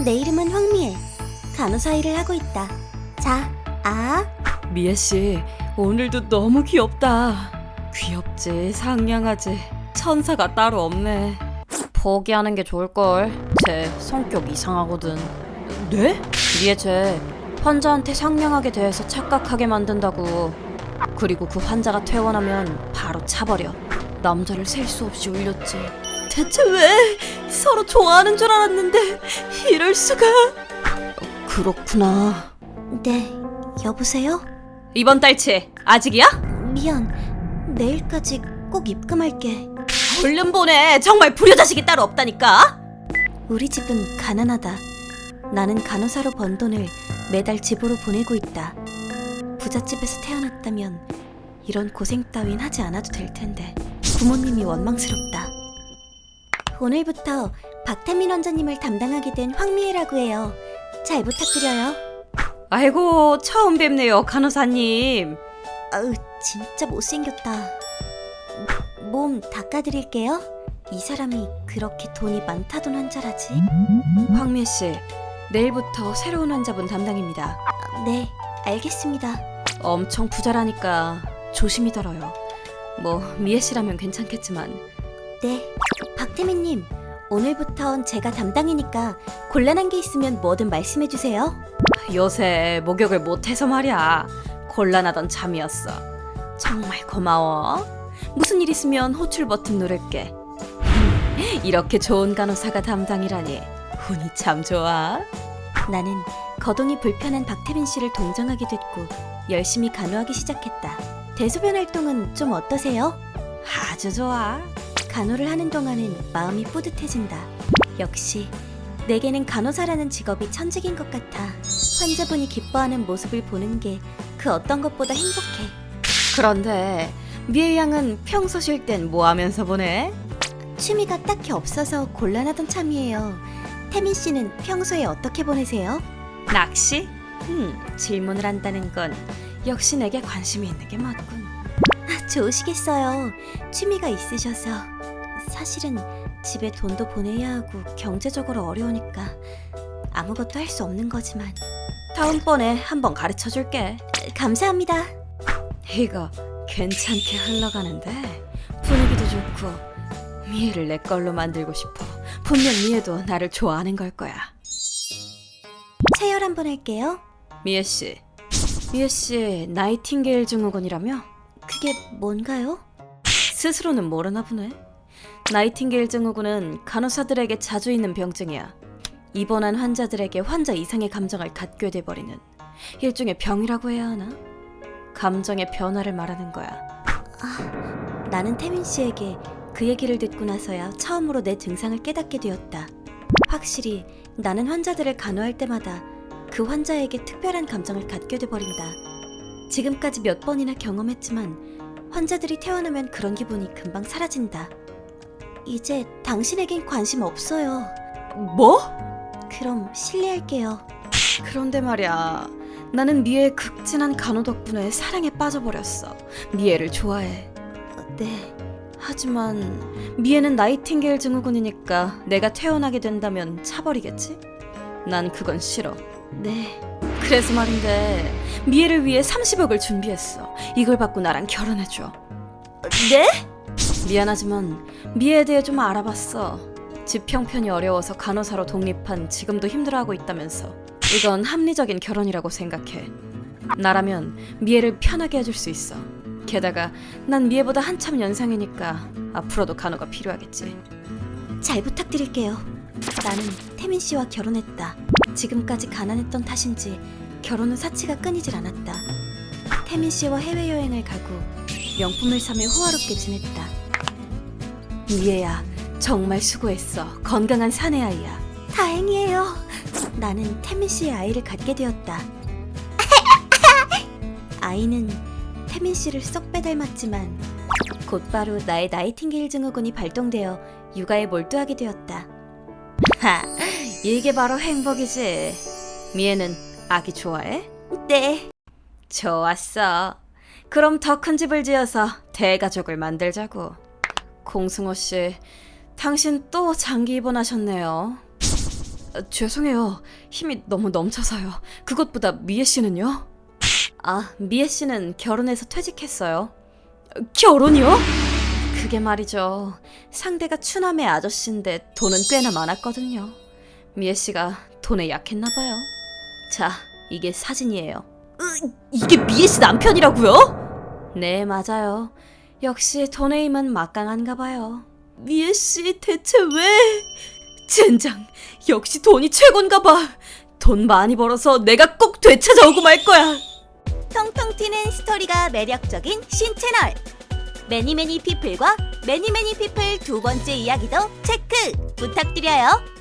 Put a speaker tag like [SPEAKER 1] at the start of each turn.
[SPEAKER 1] 내 이름은 황미애. 간호사 일을 하고 있다. 자,
[SPEAKER 2] 미애씨, 오늘도 너무 귀엽다. 귀엽지, 상냥하지, 천사가 따로 없네. 포기하는 게 좋을걸. 쟤 성격 이상하거든. 네? 미애 쟤 환자한테 상냥하게 대해서 착각하게 만든다고. 그리고 그 환자가 퇴원하면 바로 차버려. 남자를 셀 수 없이 울렸지. 대체 왜? 서로 좋아하는 줄 알았는데 이럴 수가. 그렇구나.
[SPEAKER 1] 네, 여보세요?
[SPEAKER 2] 이번 달치 아직이야?
[SPEAKER 1] 미안, 내일까지 꼭 입금할게.
[SPEAKER 2] 얼른 보내. 정말 불효자식이 따로 없다니까.
[SPEAKER 1] 우리 집은 가난하다. 나는 간호사로 번 돈을 매달 집으로 보내고 있다. 부잣집에서 태어났다면 이런 고생 따윈 하지 않아도 될 텐데 부모님이 원망스럽다. 오늘부터 박태민 원장님을 담당하게 된 황미애라고 해요. 잘 부탁드려요.
[SPEAKER 2] 아이고, 처음 뵙네요, 간호사님.
[SPEAKER 1] 아우, 진짜 못생겼다. 몸 닦아드릴게요. 이 사람이 그렇게 돈이 많다던 환자라지?
[SPEAKER 2] 황미애 씨, 내일부터 새로운 환자분 담당입니다.
[SPEAKER 1] 네, 알겠습니다.
[SPEAKER 2] 엄청 부자라니까 조심히 다뤄요. 뭐 미애 씨라면 괜찮겠지만.
[SPEAKER 1] 네, 박태민님, 오늘부턴 제가 담당이니까 곤란한 게 있으면 뭐든 말씀해주세요.
[SPEAKER 2] 요새 목욕을 못해서 말이야. 곤란하던 잠이었어. 정말 고마워. 무슨 일 있으면 호출 버튼 누를게. 이렇게 좋은 간호사가 담당이라니 운이 참 좋아.
[SPEAKER 1] 나는 거동이 불편한 박태민 씨를 동정하게 됐고 열심히 간호하기 시작했다. 대소변 활동은 좀 어떠세요?
[SPEAKER 2] 아주 좋아.
[SPEAKER 1] 간호를 하는 동안은 마음이 뿌듯해진다. 역시 내게는 간호사라는 직업이 천직인 것 같아. 환자분이 기뻐하는 모습을 보는 게 그 어떤 것보다 행복해.
[SPEAKER 2] 그런데 미애 양은 평소 쉴 땐 뭐 하면서 보내?
[SPEAKER 1] 취미가 딱히 없어서 곤란하던 참이에요. 태민 씨는 평소에 어떻게 보내세요?
[SPEAKER 2] 낚시? 질문을 한다는 건 역시 내게 관심이 있는 게 맞군.
[SPEAKER 1] 좋으시겠어요. 취미가 있으셔서. 사실은 집에 돈도 보내야 하고 경제적으로 어려우니까 아무것도 할 수 없는 거지만.
[SPEAKER 2] 다음번에 한번 가르쳐 줄게.
[SPEAKER 1] 감사합니다.
[SPEAKER 2] 이거 괜찮게 흘러가는데 분위기도 좋고 미애를 내 걸로 만들고 싶어. 분명 미애도 나를 좋아하는 걸 거야.
[SPEAKER 1] 체열 한번 할게요.
[SPEAKER 2] 미애 씨, 나이팅게일 증후군이라며?
[SPEAKER 1] 그게 뭔가요?
[SPEAKER 2] 스스로는 모르나 보네. 나이팅게일 증후군은 간호사들에게 자주 있는 병증이야. 입원한 환자들에게 환자 이상의 감정을 갖게 돼버리는 일종의 병이라고 해야 하나? 감정의 변화를 말하는 거야.
[SPEAKER 1] 나는 태민 씨에게 그 얘기를 듣고 나서야 처음으로 내 증상을 깨닫게 되었다. 확실히 나는 환자들을 간호할 때마다 그 환자에게 특별한 감정을 갖게 돼버린다. 지금까지 몇 번이나 경험했지만 환자들이 퇴원하면 그런 기분이 금방 사라진다. 이제 당신에겐 관심 없어요.
[SPEAKER 2] 뭐?
[SPEAKER 1] 그럼 실례할게요.
[SPEAKER 2] 그런데 말이야, 나는 미애의 극진한 간호 덕분에 사랑에 빠져버렸어. 미애를 좋아해.
[SPEAKER 1] 네,
[SPEAKER 2] 하지만 미애는 나이팅게일 증후군이니까 내가 퇴원하게 된다면 차버리겠지? 난 그건 싫어.
[SPEAKER 1] 네.
[SPEAKER 2] 그래서 말인데 미애를 위해 30억을 준비했어. 이걸 받고 나랑 결혼해줘.
[SPEAKER 1] 네?
[SPEAKER 2] 미안하지만 미애에 대해 좀 알아봤어. 집 형편이 어려워서 간호사로 독립한 지금도 힘들어하고 있다면서. 이건 합리적인 결혼이라고 생각해. 나라면 미애를 편하게 해줄 수 있어. 게다가 난 미애보다 한참 연상이니까 앞으로도 간호가 필요하겠지.
[SPEAKER 1] 잘 부탁드릴게요. 나는 태민 씨와 결혼했다. 지금까지 가난했던 탓인지 결혼은 사치가 끊이질 않았다. 태민 씨와 해외여행을 가고 명품을 사며 호화롭게 지냈다.
[SPEAKER 2] 미애야, 정말 수고했어. 건강한 사내아이야.
[SPEAKER 1] 다행이에요. 나는 태민 씨의 아이를 갖게 되었다. 아이는 태민 씨를 쏙 빼닮았지만 곧바로 나의 나이팅게일 증후군이 발동되어 육아에 몰두하게 되었다.
[SPEAKER 2] 하, 이게 바로 행복이지. 미애는 아기 좋아해?
[SPEAKER 1] 네.
[SPEAKER 2] 좋았어. 그럼 더 큰 집을 지어서 대가족을 만들자고. 공승호 씨, 당신 또 장기 입원하셨네요. 죄송해요. 힘이 너무 넘쳐서요. 그것보다 미애 씨는요?
[SPEAKER 1] 아, 미애 씨는 결혼해서 퇴직했어요.
[SPEAKER 2] 결혼이요?
[SPEAKER 1] 그게 말이죠. 상대가 추남의 아저씨인데 돈은 꽤나 많았거든요. 미애 씨가 돈에 약했나 봐요. 자, 이게 사진이에요.
[SPEAKER 2] 이게 미애 씨 남편이라고요?
[SPEAKER 1] 네, 맞아요. 역시 돈의 힘은 막강한가 봐요.
[SPEAKER 2] 미애 씨 대체 왜? 젠장, 역시 돈이 최곤가 봐. 돈 많이 벌어서 내가 꼭 되찾아오고 말 거야.
[SPEAKER 1] 통통 튀는 스토리가 매력적인 신채널 매니매니 피플과 매니매니 피플 두 번째 이야기도 체크 부탁드려요.